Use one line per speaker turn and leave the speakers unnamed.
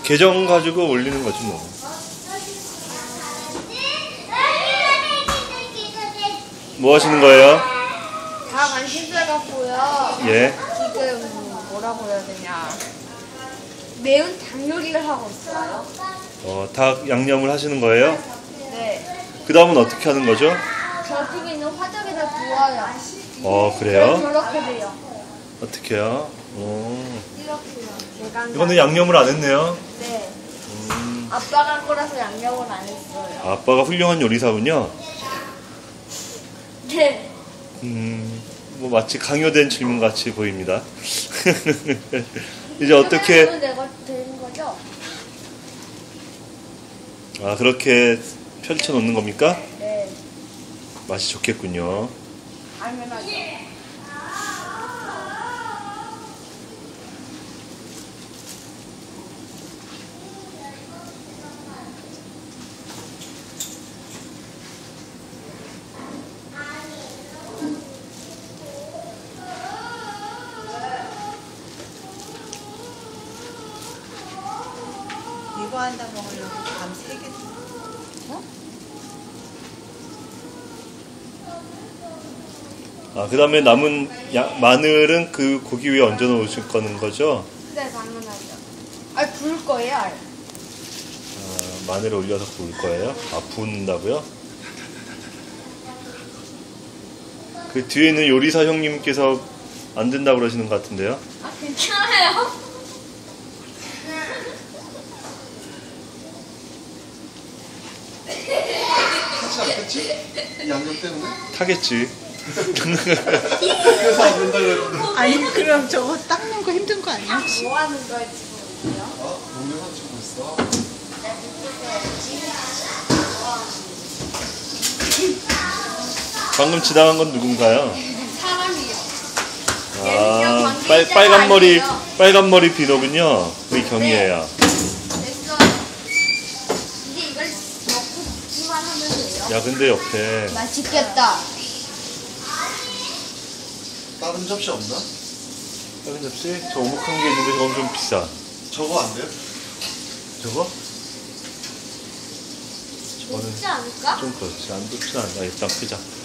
계정 가지고 올리는 거지 뭐. 뭐 하시는 거예요?
다 관심사 갖고요.
예.
지금 뭐라고 해야 되냐. 매운 닭 요리를 하고 있어요.
닭 양념을 하시는 거예요?
네.
그 다음은 어떻게 하는 거죠?
저쪽에 있는 화덕에다 구워요.
그래요?
저렇게 돼요.
어떻게요?
이렇게요.
이거는 양념을 안 했네요.
네. 아빠가 한 거라서 양념을 안 했어요.
아빠가 훌륭한 요리사군요.
네.
뭐 마치 강요된 질문 같이 보입니다. 이제 어떻게?
내가 되는 거죠?
그렇게 펼쳐 놓는 겁니까?
네.
맛이 좋겠군요.
당연하죠.
이거 한다 먹으려고 밤 3개.
그 다음에 남은 마늘은 그 고기 위에 얹어 놓으실 거는 거죠?
네, 당연하죠. 부을 거예요, 알.
마늘을 올려서 구울 거예요? 붓는다고요? 그 뒤에 있는 요리사 형님께서 안 된다고 그러시는 것 같은데요?
괜찮아요?
타지 않겠지? 이 양념 때문에?
타겠지.
그래서 안 된다 그랬는데.
아니 그럼 저거 닦는 거 힘든 거 아니야?
뭐 하는 거예요, 지금?
동영상 찍고 있어.
방금 지나간 건 누군가요?
사람이요.
빨간 머리 비너군요. 우리 경이에요.
됐어. 이제 이걸 먹고 먹기만 하면 돼요.
야, 근데 옆에
맛있겠다.
다른 접시 없나?
다른 접시? 저 오목한 게 있는데 저건 좀 비싸.
저거 안 돼요?
저거? 저거는
좋지 않을까?
좀 그렇지. 안 좋지 않아. 일단 끄자.